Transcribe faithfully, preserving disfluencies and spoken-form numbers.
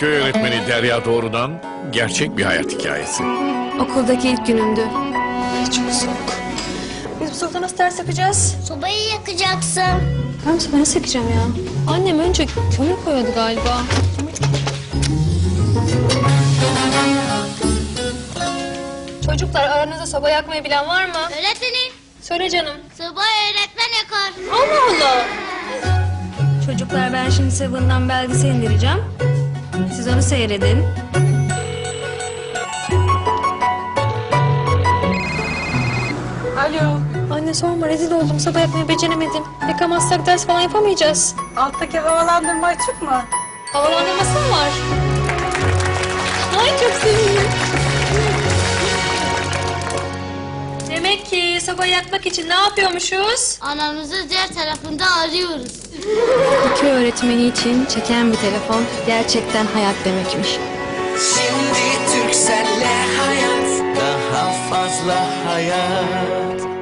Köy öğretmeni Derya Doğru'dan gerçek bir hayat hikayesi. Okuldaki ilk günümdü. Çok soğuk. Biz bu soğukta nasıl ders yapacağız? Sobayı yakacaksın. Ben sobayı nasıl yakacağım ya? Annem önce kömür koyuyordu galiba. Çocuklar, aranızda soba yakmayı bilen var mı? Öğretmenim, Söyle canım. sobayı öğretmen yakar. Allah Allah. Çocuklar, ben şimdi Seven'dan belgesel indireceğim. Siz onu seyredin. Alo. Anne sorma, rezil oldum. Soba yakmayı beceremedim. Yakamazsak ders falan yapamayacağız. Alttaki havalandırma açık mı? Havalandırması mı var? Ay çok sevindim. Demek ki sobayı yakmak için ne yapıyormuşuz? Anamızı diğer tarafında arıyoruz. Köy öğretmeni için çeken bir telefon gerçekten hayat demekmiş. Şimdi Turkcell'le hayat daha fazla hayat.